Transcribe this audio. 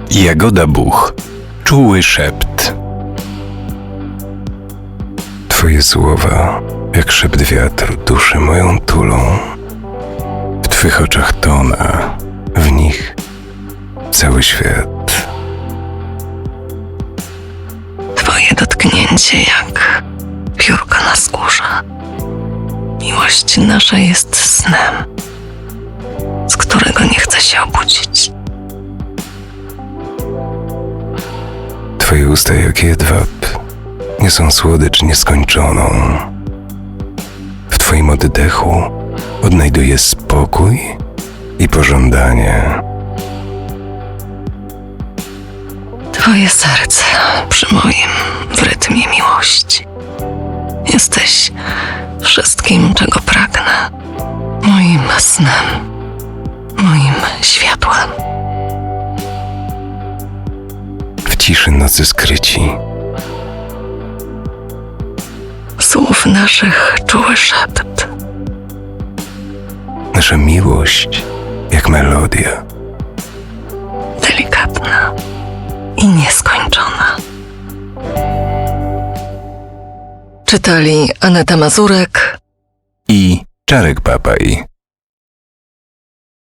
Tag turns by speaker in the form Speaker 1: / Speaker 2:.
Speaker 1: Jagoda Buch. Czuły szept. Twoje słowa, jak szept wiatru, duszy moją tulą. W Twych oczach tona, w nich cały świat.
Speaker 2: Twoje dotknięcie jak piórko na skórze. Miłość nasza jest snem, z którego nie chce się obudzić.
Speaker 1: Twoje usta jak jedwab niosą słodycz nieskończoną. W Twoim oddechu odnajduję spokój i pożądanie.
Speaker 2: Twoje serce przy moim w rytmie miłości. Jesteś wszystkim, czego pragnę. Moim snem, moim światłem.
Speaker 1: W ciszy nocy skryci
Speaker 2: Słów naszych czuły szept.
Speaker 1: nasza miłość jak melodia.
Speaker 2: Delikatna i nieskończona. Czytali Aneta Mazurek
Speaker 1: I Czarek Papaj.